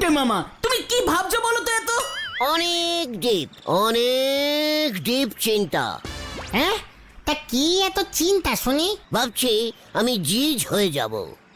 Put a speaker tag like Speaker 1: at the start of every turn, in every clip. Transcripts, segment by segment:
Speaker 1: গুলটে মামা, তুমি কি ভাবছো বলো তো এত?
Speaker 2: অনেক ডিপ চিন্তা।
Speaker 3: হ্যাঁ, তা কি এত চিন্তা শুনি?
Speaker 2: ভাবছি আমি জিজ হয়ে যাব।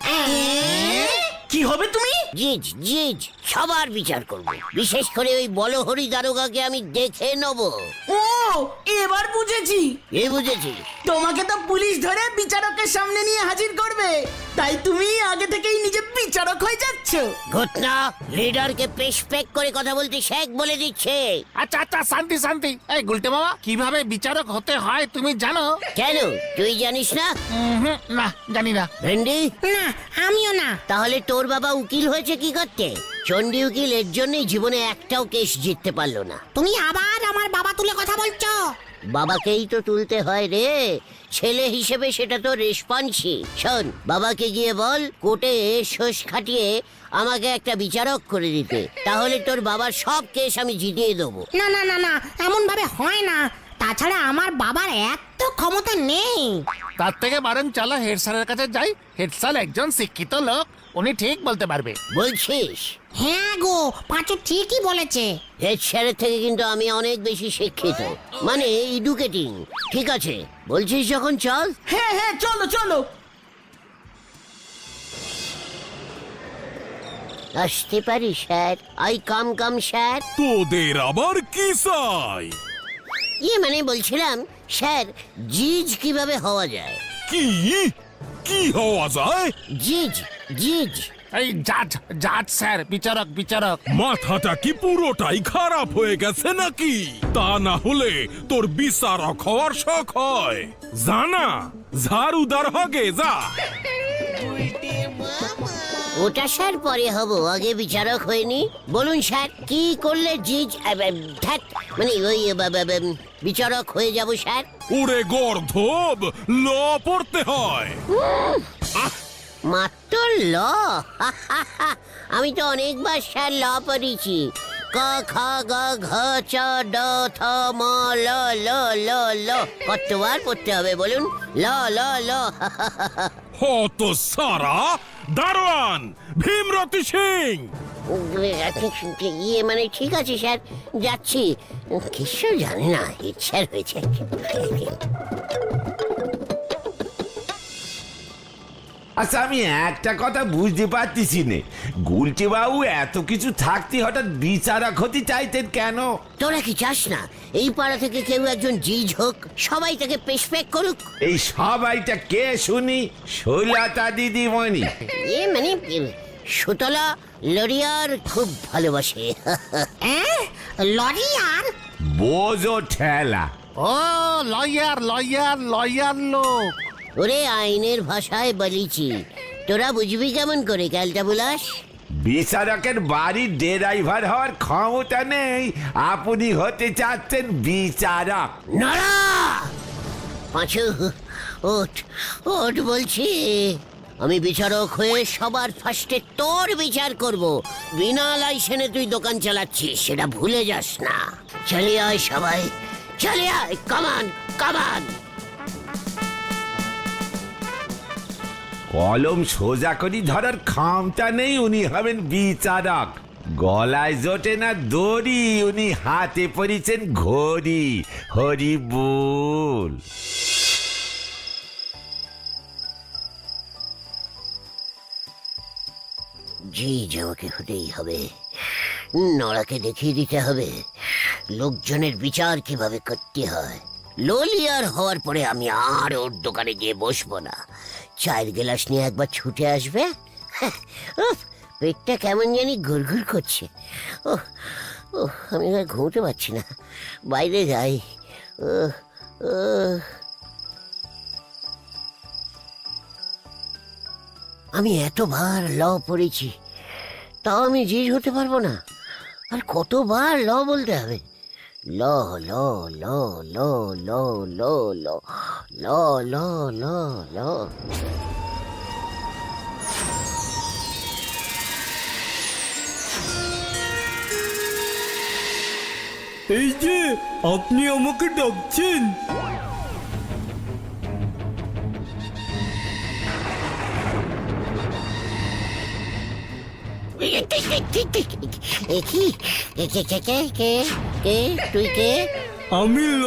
Speaker 1: কি হবে তুমি?
Speaker 2: জিজ সবার বিচার করব, বিশেষ করে ওই বলহরি দারোগাকে আমি দেখে নেব।
Speaker 1: ও, এবার বুঝেছি।
Speaker 2: বুঝেছি।
Speaker 1: তোমাকে তো পুলিশ ধরে বিচারকের সামনে নিয়ে হাজির করবে, তাই তুমি আগে থেকেই নিজে বিচারক হয়ে যাচ্ছ।
Speaker 2: ঘটনা লিডারকে পেশ করে কথা বলতে শেখ বলে দিচ্ছে।
Speaker 4: আচ্ছা আচ্ছা, শান্তি শান্তি। এই গুলটে মামা, কিভাবে বিচারক হতে হয় তুমি জানো?
Speaker 2: কেন, তুই জানিস না?
Speaker 4: না, জানি না।
Speaker 2: ভেন্ডি?
Speaker 3: না, আমিও না।
Speaker 2: তাহলে তোর বাবা উকিল হয়েছে কি করতে? চন্ডী উকিল এর জন্যই জীবনে একটাও কেস জিততে পারলো না।
Speaker 3: তুমি আবার আমার বাবা তুলে কথা বলছো?
Speaker 2: বাবাকেই তো তুলতে হয় রে, ছেলে হিসেবে সেটা তো রেসপন্সি। শোন, বাবাকে গিয়ে বল কোর্টে শোষ খাটিয়ে আমাকে একটা বিচারক করে দিতে, তাহলে তোর বাবার সব কেস আমি জিতিয়ে দেবো।
Speaker 3: না না না না, এমন ভাবে হয় না। তাছাড়া আমার বাবার এত ক্ষমতা নেই।
Speaker 4: তার থেকে বরং চলো হেড স্যারের কাছে যাই। হেড স্যার একজন শিক্ষিত লোক, উনি ঠিক বলতে পারবে।
Speaker 2: বলছিস?
Speaker 3: হ্যাঁ গো, পাঁচু ঠিকই বলেছে।
Speaker 2: হেড স্যারের থেকে কিন্তু আমি অনেক বেশি শিক্ষিত, মানে এডুকেটিং। ঠিক আছে, বলছিস যখন চল।
Speaker 1: হ্যাঁ হ্যাঁ, চলো চলো।
Speaker 2: আসতে পারি স্যার? I come sir.
Speaker 5: তোদের আবার কি চাই?
Speaker 2: মানে বলছিলাম স্যার, জিজ কিভাবে হওয়া যায়?
Speaker 5: কি কি হওয়া যায়?
Speaker 2: জিজ।
Speaker 4: এই জাজ জাজ স্যার, বিচারক বিচারক।
Speaker 5: মাথাটা কি পুরোটাই খারাপ হয়ে গেছে নাকি? তা না হলে তোর বিচারক হওয়ার শখ হয়? জানা, ঝাড়ুদার হগে যা।
Speaker 2: ওটা স্যার পরে হব, আগে বিচারক হয়নি। বলুন স্যার, কি করলে জিজ মানে ওই বিচারক হয়ে যাব স্যার?
Speaker 5: ওরে গর্ধব, ল পড়তে হয়।
Speaker 2: মাত্র ল? আমি তো অনেকবার স্যার ল পড়েছি। ক খ গ ঘ চ ড থ ম ল ল ল ল। কতবার পড়তে হবে বলুন? ল ল ল।
Speaker 5: হত সারা দারোয়ান ভীমরতি সিং।
Speaker 2: মানে ঠিক আছে স্যার, যাচ্ছি। কিছু জানি না, ইচ্ছা হয়েছে।
Speaker 6: আচ্ছা, আমি একটা কথা বুঝতে পারতেছি না, গুলটে বাবু এত কিছু থাকতে হঠাৎ বিচারক হতে চাইতেন কেন?
Speaker 2: তোরা কি চাস না এই পাড়া থেকে কেউ একজন জিজ হোক, সবাই তাকে পেশপেক করুক?
Speaker 6: এই সবাইটা কে শুনি? শৈলতা দিদিমণি?
Speaker 2: মানে সুতলা লরিয়ার খুব ভালোবাসে।
Speaker 3: লরিয়ার?
Speaker 6: বোঝো ঠেলা।
Speaker 4: ও লয়ার লয়ার লয়ার লোক।
Speaker 2: ওরে আইনের ভাষায় বলিছি, তোরা বুঝবি কেমন করে ক্যালটা বুলাস?
Speaker 6: বিচারকের বাড়ির ড্রাইভার হওয়ার ক্ষমতা নেই, আপনি হতে চাচ্ছেন বিচারক?
Speaker 2: নড়া! পাঁচু, ওঠ ওঠ বলছি। আমি বিচারক হয়ে সবার ফার্স্টে তোর বিচার করব। বিনা লাইসেন্সে তুই দোকান চালাচ্ছিস, সেটা ভুলে যাস না। চলে আয় সবাই, চলে আয়, কামান কামান।
Speaker 6: কলম সোজা করি ধরার ক্ষমতা নেই, উনি হবেন বিচারক। গলায় জোটে না দড়ি, উনি হাতে পরিছেন ঘড়ি। হরি বল।
Speaker 2: জি, আমাকে হতেই হবে। নড়াকে দেখিয়ে দিতে হবে লোকজনের বিচার কিভাবে করতে হয়। ললিয়ার হওয়ার পরে আমি আর ওর দোকানে গিয়ে বসবো না। চায়ের গ্লাস নিয়ে একবার ছুটে আসবে। উফ, পেটটা কেমন জানি ঘুরঘুর করছে। আমি আর ঘুমোতে পারছি না, বাইরে যাই। আমি এতবার ল পড়েছি, তাও আমি জিজ হতে পারবো না। আর কতবার ল বলতে হবে? ল ল ল ল ল ল ল ল ল ল ল।
Speaker 7: এই যে, আপনি আমাকে ডাকছেন?
Speaker 2: কি কে তুই কে?
Speaker 7: আমি ল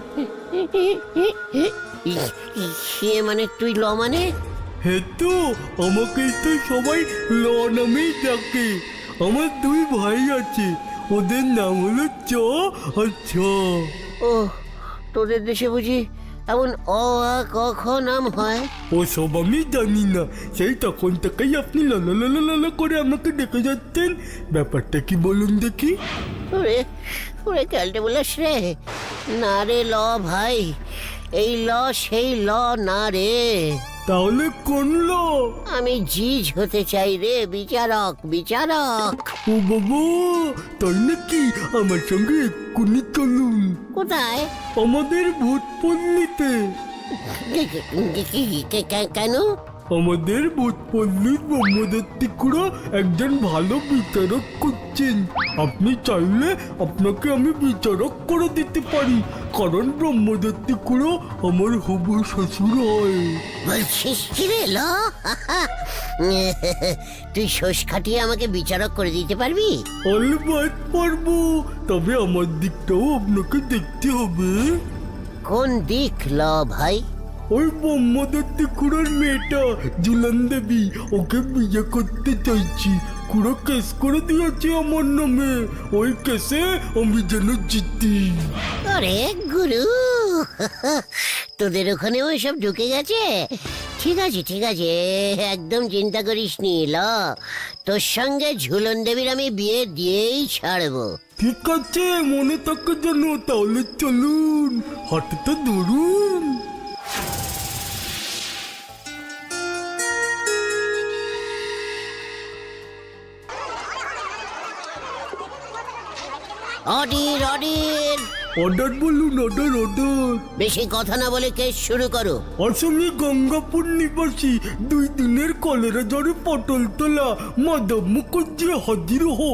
Speaker 2: সে মানে তুই ল মানে?
Speaker 7: হেতু আমাকে তো সবাই ল নামেই ডাকে। আমার দুই ভাই আছে, ওদের নাম হলো চ আর ছ।
Speaker 2: ও তোদের দেশে বুঝি এমন অ আ ক খ নাম হয়?
Speaker 7: ও সব আমি জানি না, সেই তখন থেকেই আপনি লালা লালা লালা করে আমাকে ডেকে যাচ্ছেন। ব্যাপারটা কি বলুন দেখি?
Speaker 2: ওরে ওরে ক্যালটে বলিস রে। না রে ল ভাই, এই ল সেই ল না রে।
Speaker 7: তাহলে কোন ল?
Speaker 2: আমি জিজ হতে চাই রে, বিচারক বিচারক।
Speaker 7: ও বাবা, তাই নাকি? আমার সঙ্গে এক্ষুনি চলুন
Speaker 2: কোথায়?
Speaker 7: আমাদের ভূত পল্লীতে।
Speaker 2: কেন?
Speaker 7: আমাদের ভূত পল্লীর ব্রহ্মদত্তি খুড়া একজন ভালো বিচারক করছেন। আপনি চাইলে আপনাকে আমি বিচারক করে দিতে পারি, কারণ ব্রহ্মদত্তি খুড়া আমার হবু শ্বশুর হয়।
Speaker 2: বলছিস কি রে ল? তুই শোষ খাটিয়ে আমাকে বিচারক করে দিতে পারবি?
Speaker 7: অলবাদ পারবো, তবে আমার দিকটাও আপনাকে দেখতে হবে।
Speaker 2: কোন দিক ল ভাই?
Speaker 7: ওই ব্রহ্মদত্তি খুড়ার মেয়েটা জুলান দেবী, ওকে বিয়ে করতে চাইছি। খুড়া কেস করে দিয়েছে আমার নামে, ওই কেসে আমি যেন জিতি।
Speaker 2: আরে গুরু, তোদের ওখানেও এসব ঢুকে গেছে? ঠিক আছে ঠিক আছে, একদম চিন্তা করিস নি ল, তোর সঙ্গে ঝুলন দেবীর আমি বিয়ে দিয়েই ছাড়বো।
Speaker 7: ঠিক আছে, মনে থাকে যেন। তাহলে চলুন, হাঁটতে ধরুন।
Speaker 2: অডির অডির,
Speaker 7: অর্ডার বলুন, অর্ডার অর্ডার।
Speaker 2: বেশি কথা না বলে কেস শুরু করো।
Speaker 7: আসামি গঙ্গাপুর নিবাসী, 2 দিনের কলেরা জ্বরে পটল তোলা মাধব মুখর্জি হাজির হো।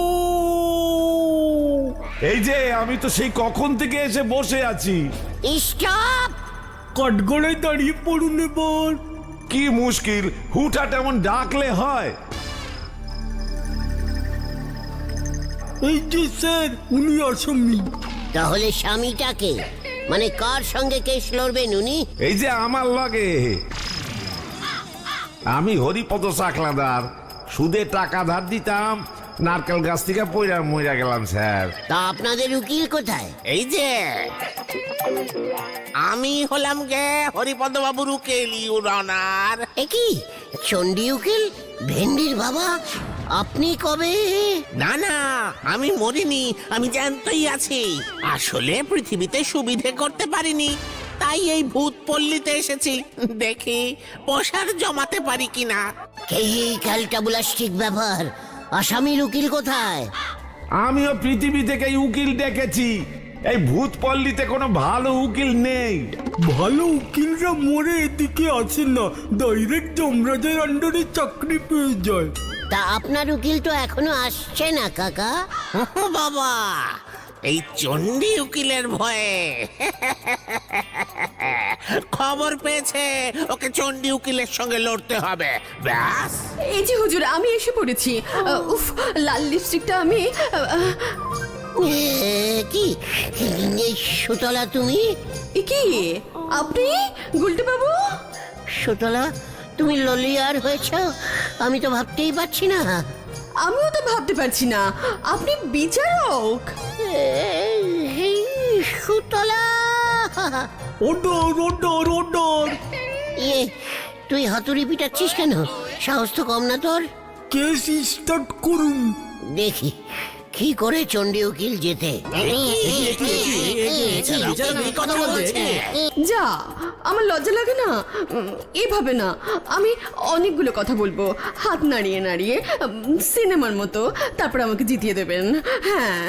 Speaker 6: এই যে আমি তো সেই কখন থেকে এসে বসে আছি।
Speaker 2: স্টপ!
Speaker 7: কাঠগড়ায় দাঁড়িয়ে পড়ুন এবার।
Speaker 6: কি মুশকিল, হুটহাট এমন ডাকলে হয়?
Speaker 7: এই যে স্যার, উনি আসামি।
Speaker 2: তাহলে স্বামীটাকে, মানে কার সঙ্গে কেস লড়বেন উনি?
Speaker 6: এই যে আমার লগে, আমি হরিপদ সাকলাদার। সুদে টাকা ধার দিতাম, নারকেল গাছ থেকে পয়রা মইরা গেলাম স্যার।
Speaker 2: তা আপনাদের উকিল কোথায়?
Speaker 4: এই যে আমি হলাম গে হরিপদ বাবুর উকিল, ইউর অনার।
Speaker 2: এ কি চণ্ডী উকিল, ভেন্ডির বাবা? আপনি কবে?
Speaker 4: না না, আমি মরিনি, আমি জ্যান্তই আছি। আসলে পৃথিবীতে সুবিধে করতে পারিনি, তাই এই ভূত পল্লীতে এসেছি, দেখি পয়সার জমাতে পারি কিনা।
Speaker 2: এই ক্যালটাবুলাস্টিক ব্যাপার। আসামির উকিল কোথায়?
Speaker 6: আমিও পৃথিবী থেকে উকিল ডেকেছি, এই ভূত পল্লীতে কোনো ভালো উকিল নেই।
Speaker 7: ভালো উকিলরা মরে এদিকে আসে না, ডাইরেক্ট যমরাজের আন্ডারে চাকরি পেয়ে যায়।
Speaker 2: তা আপনার উকিল তো এখনো আসছে না কাকা।
Speaker 4: বাবা, এই চণ্ডী উকিলের ভয়ে খবর পেয়েছে ওকে চণ্ডী উকিলের সঙ্গে লড়তে হবে, ব্যাস।
Speaker 8: এই যে হুজুর, আমি এসে পড়েছি। উফ, লাল লিপস্টিকটা আমি
Speaker 2: কি এই সুতলা তুমি?
Speaker 8: এ কি আপনি গুলটে বাবু?
Speaker 2: সুতলা, তুমি ললিয়ার হয়েছ? আমি তো ভাবতেই পারছি না।
Speaker 8: আমিও তো ভাবতে পারছি না, আপনি বিচারক?
Speaker 2: এই সুতলা,
Speaker 7: অর্ডার অর্ডার অর্ডার।
Speaker 2: ইয়ে, তুই হাতুড়ি পিটাচ্ছিস কেন? সাহস তো কম না তোর?
Speaker 7: কেস স্টার্ট করুন।
Speaker 2: দেখি কি করে চণ্ডী উকিল যেতে।
Speaker 4: কথা বলছে।
Speaker 8: যা, আমার লজ্জা লাগে না? এভাবে না, আমি অনেকগুলো কথা বলবো, হাত নাড়িয়ে নাড়িয়ে, সিনেমার মতো, তারপর আমাকে জিতিয়ে দেবেন। হ্যাঁ,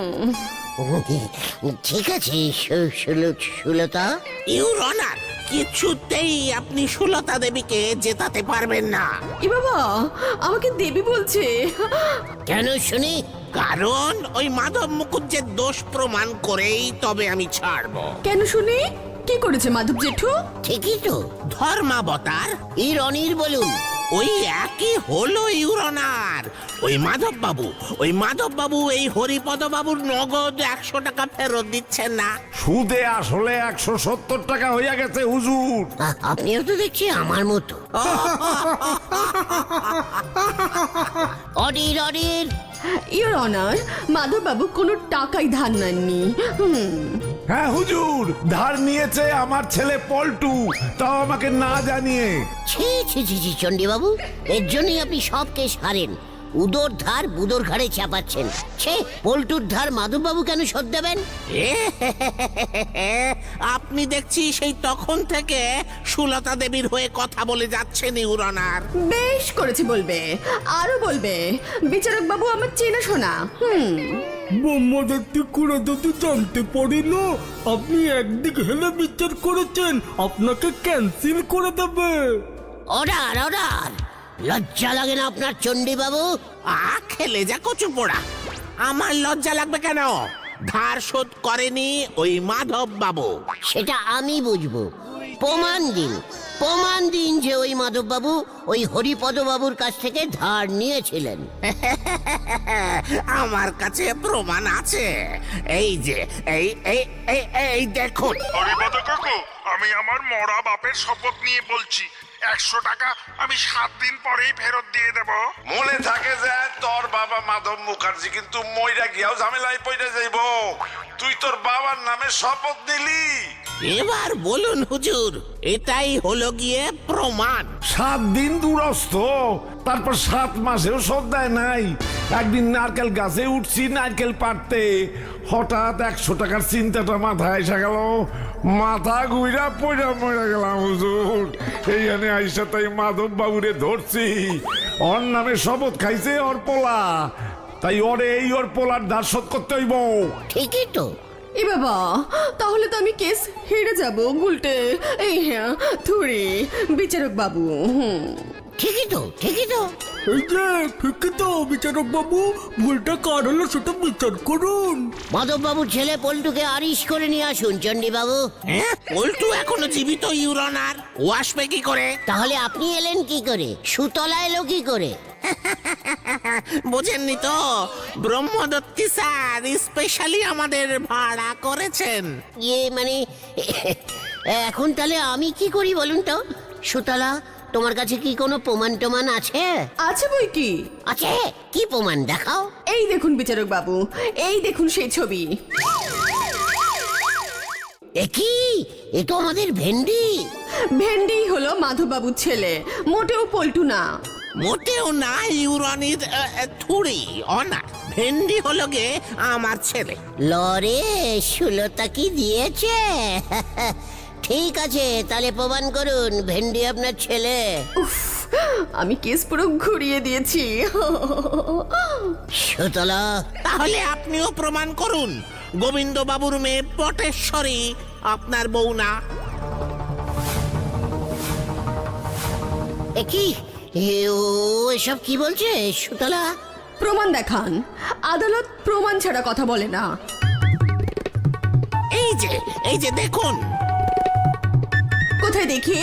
Speaker 2: ঠিক আছে সুলতা।
Speaker 4: ইউর অনার, কিছুতেই আপনি সুলতা দেবীকে জেতাতে পারবেন না।
Speaker 8: এ বাবা, আমাকে দেবী বলছে।
Speaker 2: কেন শুনি?
Speaker 4: কারণ ওই মাধব মুকুজ্জের দোষ প্রমাণ করেই তবে আমি ছাড়বো।
Speaker 8: কেন শুনি? কি করেছে মাধব জেঠু?
Speaker 2: ঠিকই তো।
Speaker 4: ধর্মাবতার।
Speaker 2: রনির বলুন।
Speaker 4: ওই একই হলো ইউরনার। ওই মাধব বাবু এই হরিপদ বাবুর নগদ 100 টাকা ফেরত দিচ্ছেন না।
Speaker 6: সুদে আসলে 170 টাকা হইয়া গেছে হুজুর।
Speaker 2: আপনিও তো দেখছি আমার মতো। অডির অডির।
Speaker 8: ইওর অনার, মাধববাবু কোনো টাকাই ধার নেননি।
Speaker 6: হ্যাঁ হুজুর, ধার নিয়েছে আমার ছেলে পল্টু, তাও আমাকে না জানিয়ে।
Speaker 2: ছি ছি ছি ছি চণ্ডীবাবু, এর জন্যই আপনি সব কেস হারেন। উদর ধার বুদোর ঘাড়ে চাপাচ্ছেন। ছে, পল্টুর ধার মাধববাবু কেন শোধ দেবেন?
Speaker 4: আপনি দেখছি সেই তখন থেকে সুলতা দেবীর হয়ে কথা বলে যাচ্ছেন ইউরনার।
Speaker 8: বেশ করেছে বলবে, আরো বলবে। বিচারক বাবু আমার চেনাশোনা।
Speaker 7: ব্রহ্মদত্তি কুড়া যদি জানতে পারি না আপনি একদিক হেলে বিচার করেছেন, আপনাকে ক্যান্সেল করে দেবে।
Speaker 2: Order order. লজ্জা লাগে না আপনার চণ্ডীবাবু?
Speaker 4: খেলে যা কচু পোড়া। আমার লজ্জা লাগবে কেন? ধার শোধ করেনি ওই মাধব বাবু।
Speaker 2: সেটা আমি বুঝবো। প্রমাণ দিন, প্রমাণ দিন যে ওই মাধববাবু ওই হরিপদ বাবুর কাছ থেকে ধার নিয়েছিলেন।
Speaker 4: আমার কাছে প্রমাণ আছে। এই যে এই এই এই এই দেখুন।
Speaker 9: হরিপদ কাকু, আমি আমার মরা বাপের শপথ নিয়ে বলছি, 100 টাকা আমি 7 দিন পরেই ফেরত দিয়ে দেব।
Speaker 6: মনে থাকে যে তোর বাবা মাধব মুখার্জি কিন্তু মইরা গিয়াও ঝামেলায় পড়ে যাইব। তুই তোর বাবার নামে শপথ নিলি।
Speaker 4: এবার বলুন হুজুর, এটাই হলো গিয়ে প্রমাণ।
Speaker 6: 7 দিন দূরস্থ, তারপর 7 মাসেও শোধ দেয় নাই। একদিন নারকেল গাছে উঠছি নারকেল পাড়তে, হঠাৎ 100 টাকার চিন্তাটা মাথায় এসে গেল। মাথা ঘুইরা পয়রা মরে গেলাম হুজুর। এইখানে আইসা তাই মাধব বাবুরে ধরছি। ওর নামে শপথ খাইছে ওর পোলা, তাই ওরে এই ওর পোলার ধার শোধ করতে হইব।
Speaker 2: ঠিকই তো।
Speaker 8: এ বাবা, তাহলে তো আমি কেস হেরে যাব গুলটে। এই হ্যাঁ থুড়ি বিচারক বাবু।
Speaker 2: ঠিকই তো, ঠিকই তো।
Speaker 7: এই যে ঠিকই তো বিচারক বাবু, ভুলটা কার হলো সেটা বিচার করুন।
Speaker 2: মাধববাবুর ছেলে পল্টুকে আরিশ করে নিয়ে আসুন চণ্ডীবাবু।
Speaker 4: পল্টু এখনো জীবিত ইউরনার, ও আসবে কি করে?
Speaker 2: তাহলে আপনি এলেন কি করে? সুতলা এলো কি করে?
Speaker 4: বোঝেননি তো, ব্রহ্মদত্তি স্যার স্পেশালি আমাদের ভাড়া করেছেন।
Speaker 2: ইয়ে মানে এখন তাহলে আমি কি করি বলুন তো? সুতলা, তোমার কাছে কি কোনো প্রমাণ টমান আছে?
Speaker 8: আছে বই কি?
Speaker 2: আছে? কি প্রমাণ দেখাও।
Speaker 8: এই দেখুন বিচারক বাবু, এই দেখুন সেই ছবি।
Speaker 2: এ কি? এ তো আমাদের ভেন্ডি।
Speaker 8: ভেন্ডি হলো মাধববাবুর ছেলে, মোটেও পল্টু না।
Speaker 4: মোটেও না ইউরনির থুড়ি অনা। ভেন্ডি হলো গে আমার ছেলে।
Speaker 2: লরে সুলতা কি দিয়েছে? ঠিক আছে, তাহলে প্রমাণ করুন ভেন্ডি আপনার ছেলে।
Speaker 8: উফ, আমি কেস পুরো ঘুরিয়ে দিয়েছি।
Speaker 2: সুতলা,
Speaker 4: তাহলে আপনিও প্রমাণ করুন গোবিন্দ বাবুর মেয়ে পটেশ্বরী আপনার বউ না।
Speaker 2: এ কি? ও এসব কি বলছে সুতলা?
Speaker 8: প্রমাণ দেখান। আদালত প্রমাণ ছাড়া কথা বলে না।
Speaker 4: এই যে দেখুন।
Speaker 8: কোথায় দেখি?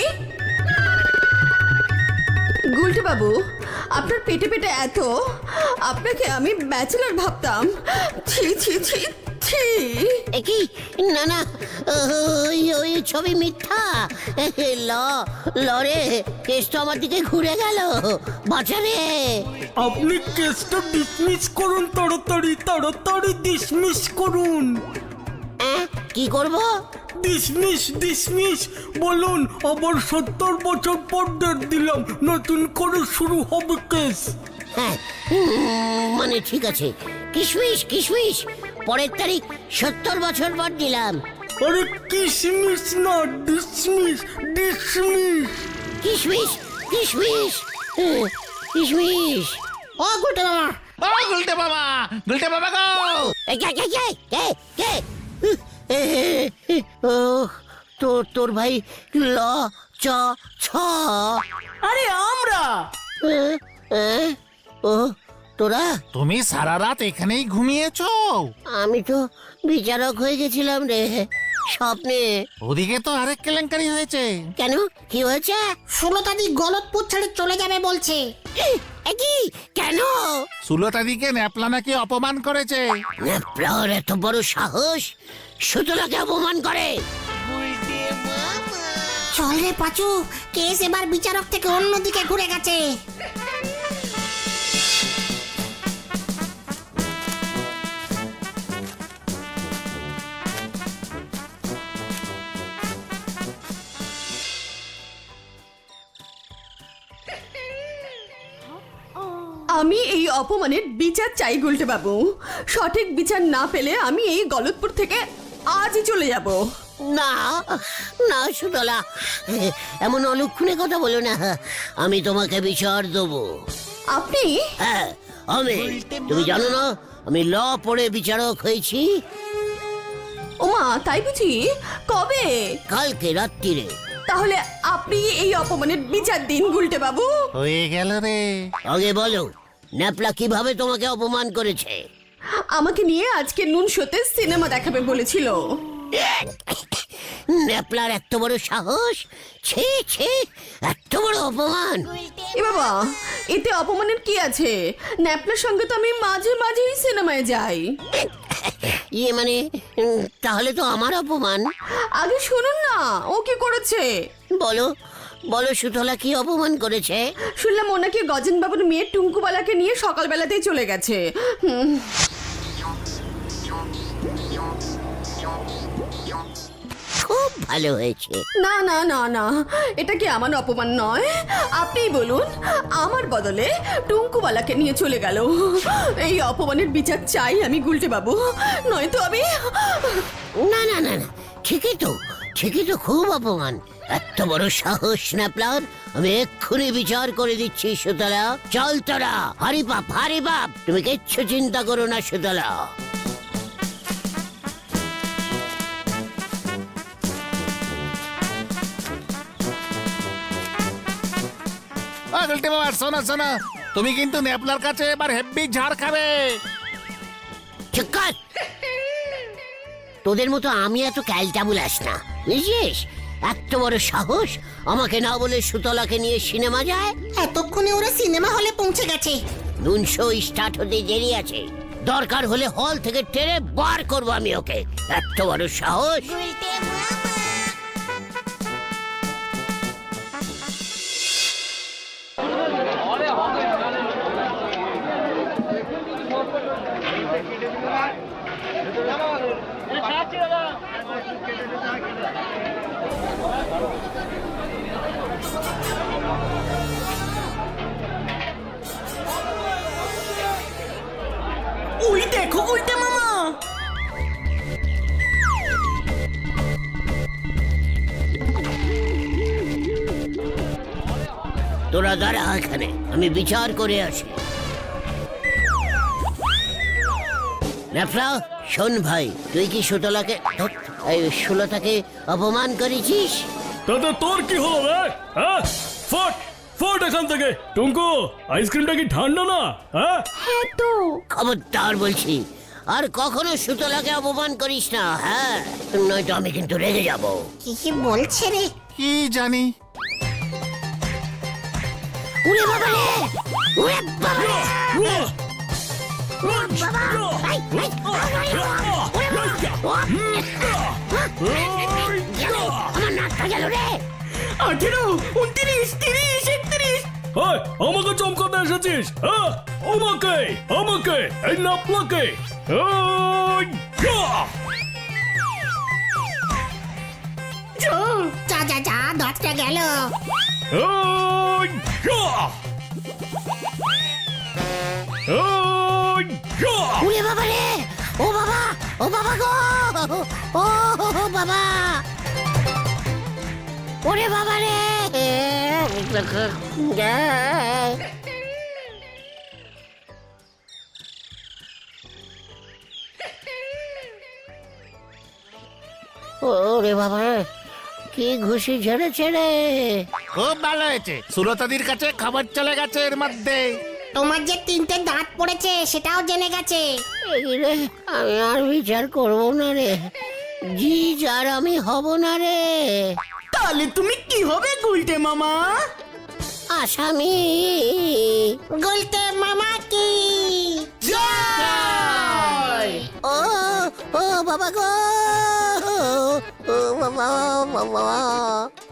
Speaker 8: গুলটে বাবু, আপনার পেটে পেটে এত, আপনাকে আমি ব্যাচেলর ভাবতাম। ছি ছি ছি ছি।
Speaker 2: এ কি? না না, ওই ছবি মিথ্যা। লরে কেস তো আমার দিকে ঘুরে গেল। বাঁচারে।
Speaker 7: আপনি কেসটা ডিসমিস করুন, তাড়াতাড়ি তাড়াতাড়ি ডিসমিস করুন।
Speaker 2: কি করব?
Speaker 7: ডিসমিস ডিসমিস বলুন। আবার 70 বছর পর ডেট দিলাম, নতুন করে শুরু হবে কেস।
Speaker 2: হ্যাঁ, মানে ঠিক আছে। কিশমিশ কিশমিশ, পরের তারিখ 70 বছর পর দিলাম।
Speaker 7: আরে কিসমিস না, ডিসমিস ডিসমিস।
Speaker 2: কিশমিশ কিশমিশ কিশমিশ।
Speaker 1: ও গুলটে মামা,
Speaker 4: গুলটে বাবা গো।
Speaker 2: এই কে? ও তোর ভাই ল চ ছ।
Speaker 1: আরে আমরা।
Speaker 2: ও তোরা?
Speaker 10: তুমি সারা রাত এখানেই ঘুমিয়েছো?
Speaker 2: আমি তো বিচারক হয়ে গেছিলাম রে। স্বপ্নে।
Speaker 10: ওদিকে তো আরেক কেলেঙ্কারি হয়েছে।
Speaker 2: কেন, কি হয়েছে?
Speaker 3: সুলতাদি গলতপুর ছেড়ে চলে যাবে বলছে।
Speaker 2: কি? কেন?
Speaker 10: সুলতাদিকে ন্যাপলা নাকি অপমান করেছে।
Speaker 2: ন্যাপলার এত বড় সাহস সুতলাকে অপমান করে?
Speaker 3: চল রে পাচু, কেস এবার বিচারক থেকে অন্যদিকে ঘুরে গেছে।
Speaker 8: আমি এই অপমানের বিচার চাই গুলটে বাবু। সঠিক বিচার না পেলে আমি এই গলতপুর থেকে আজই চলে যাব।
Speaker 2: না না সুতলা, এমন অলক্ষণে কথা বলো না। আমি তোমাকে বিচার দেবো।
Speaker 8: আপনি?
Speaker 2: হ্যাঁ আমি। তুমি জানো না আমি ল পড়ে বিচারক হয়েছি?
Speaker 8: ওমা, তাই বুঝি? কবে?
Speaker 2: কালকে রাত্রিরে।
Speaker 8: তাহলে আপনি এই অপমানের বিচার দিন গুলটে বাবু।
Speaker 10: হয়ে গেল রে।
Speaker 2: আগে বলো, ন্যাপলা কিভাবে তোমাকে অপমান করেছে?
Speaker 8: আমাকে নিয়ে আজকে নুন শোতে সিনেমা দেখাবে বলেছিল।
Speaker 2: ন্যাপলার এত বড় সাহস! ছি ছি, এত বড় অপমান!
Speaker 8: এ বাবা, এতে অপমানের কি আছে? ন্যাপলার সঙ্গে তো আমি মাঝে মাঝেই সিনেমায় যাই।
Speaker 2: ইয়ে মানে, তাহলে তো আমার অপমান।
Speaker 8: আগে শুনুন না, ও কি করেছে।
Speaker 2: বলো বলো সুতলা কি অপমান করেছে?
Speaker 8: শুনলাম ও নাকি গজেন বাবুর মেয়ে টুঙ্কুবালাকে নিয়ে সকালবেলাতেই চলে গেছে।
Speaker 2: খুব ভালো হয়েছে।
Speaker 8: না না না না, এটা কি আমার অপমান নয়? আপনিই বলুন, আমার বদলে টুঙ্কুবালাকে নিয়ে চলে গেল। এই অপমানের বিচার চাই আমি গুলটে বাবু, নয়তো আমি।
Speaker 2: না না না না, ঠিকই তো, ঠিকই তো, খুব অপমান। এত বড় সাহস ন্যাপলার! আমি এক্ষুনি বিচার করে দিচ্ছি সুতলা। চল তোরা, হারি বাপ হারি বাপ, তুমি কিচ্ছু চিন্তা করো না সুতলা।
Speaker 10: গুলটে বাবা, শোনো শোনো, তুমি কিন্তু ন্যাপলার কাছে এবার হেব্বি ঝাড় খাবে।
Speaker 2: চুপ কর! তোদের মতো আমি এত ক্যালটাবুলাস না, বুঝছিস? এত বড় সাহস আমাকে না বলে সুতলাকে নিয়ে সিনেমা যায়?
Speaker 3: এতক্ষণে ওরা সিনেমা হলে পৌঁছে গেছে।
Speaker 2: নুন শো স্টার্ট হতে দেরি আছে। দরকার হলে হল থেকে টেনে বার করবো আমি ওকে। এত বড় সাহস!
Speaker 1: ওই দেখো উল্টে মামা।
Speaker 2: তোরা দাঁড়া এখানে, আমি বিচার করে আসি। ন্যাপলা, শোন ভাই, তুই কি সুতলাকে সুলতাকে অপমান করেছিস?
Speaker 7: তাতে তোর কি হলো রে? হ্যাঁ, ফট ফট এখান থেকে। টুঙ্কু, আইসক্রিমটা কি ঠান্ডা না? হ্যাঁ
Speaker 8: হ্যাঁ তো।
Speaker 2: খবরদার বলছি, আর কখনো সুতলাকে অপমান করিস না। হ্যাঁ, নয়তো আমি কিন্তু রেগে যাব।
Speaker 3: কি কি বলছে রে?
Speaker 10: কি জানি।
Speaker 2: উড়ে বাবা রে! উড়ে বাবা রে! আমার নাকটা গেল রে!
Speaker 1: 18, 29, 30, 31।
Speaker 7: হাই, আমাকে চমকাতে এসেছিস? হ্যাঁ, আমাকে আমাকে এই নাপলাকে।
Speaker 3: যা যা যা, দশটা গেল।
Speaker 2: উড়ে বাবা রে! ও বাবা, ও বাবা গো! ও বাবা! ওরে বাবা রে! ওরে বাবা, কি ঘুষি ঝেড়েছে রে!
Speaker 10: খুব ভালো হয়েছে, সুলতাদির কাছে খবর চলে গেছে এর মধ্যে।
Speaker 3: তোমার যে 3টে দাঁত পড়েছে সেটাও জেনে গেছে।
Speaker 2: এই রে, আমি আর বিচার করবো না রে। জি আর আমি হব না রে,
Speaker 1: তাহলে তুমি কি হবে গুলটে মামা?
Speaker 2: আসামি।
Speaker 3: গুলতে মামা কি
Speaker 2: ও ও বাবা গো, ও বাবা বাবা